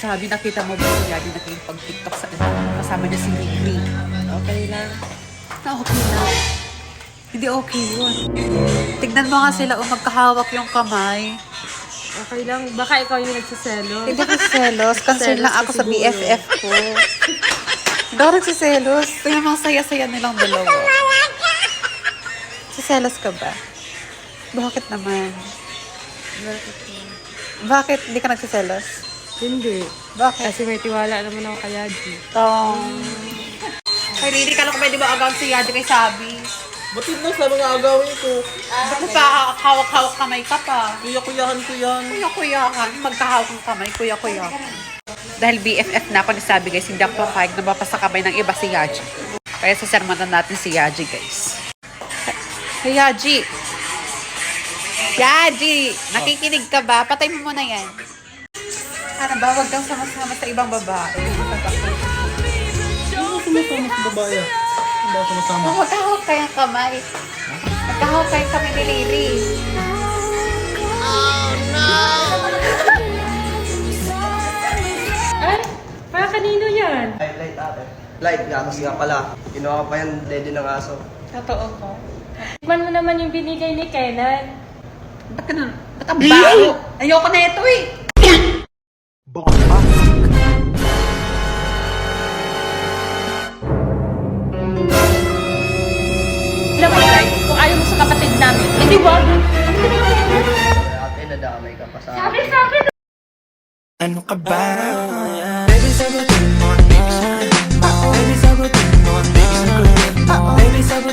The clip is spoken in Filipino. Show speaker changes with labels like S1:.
S1: Sabi, nakita mo ba si Yadi nakipag-tiktok sa kasama niya si Migri?
S2: Okay lang.
S1: Okay lang. Hindi okay yun. Tignan mo nga sila magkahawak yung kamay.
S2: Okay lang. Baka ikaw yung nagsiselos.
S1: Hindi ako selos. Concern lang ako sa BFF ko. Hindi ako nagsiselos. Tingnan mo, saya-saya nilang dalawa. Siselos ka ba? Bakit naman? Bakit hindi ka nagsiselos?
S2: Hindi.
S1: Bakit?
S2: Kasi may tiwala naman ako kay Yadi.
S1: Kay Riri, kala ko pwede ba agawin si Yadi kay Sabi?
S3: Batid na sa mga agawin ko.
S1: Ba't nagkahawak-hawak kamay ka pa?
S3: Kuya-kuyahan ko yan.
S1: Kuya-kuyahan. Magkahawak ng kamay, kuya-kuyahan. Dahil BFF na ako ni Sabi guys, hindi ako papayag na mapasa kamay ng iba si Yaji. Kaya sasermanan natin si Yaji guys. Hey Yaji! Yaji! Nakikinig ka ba? Patay mo muna yan. Ano ba? Huwag kang sama-sama sa ibang babae.
S3: Ano sumasama sa babae? Ano ba sumasama?
S1: Magkahawak kayong kamay. Magkahawak kayong kamay ni Riri.
S2: Ay! Para kanino yan?
S4: Light ate. Light, gatas nga pala. Kinuha ko pa yan, lady ng aso.
S1: Totoo ko.
S2: Tikman mo naman yung binigay ni Kenan.
S1: Ba't ka na? Ba't ang baho? Ayoko na ito eh.
S2: Alam mo, Kai, kung ayaw mo sa kapatid namin, hindi wag.
S4: Ate, nadamay ka pa sa
S2: Sabi sa akin.
S5: Ano ka ba? Baby, sagutin mo na. Baby, sagutin mo na. Baby, sagutin mo. Baby, sagutin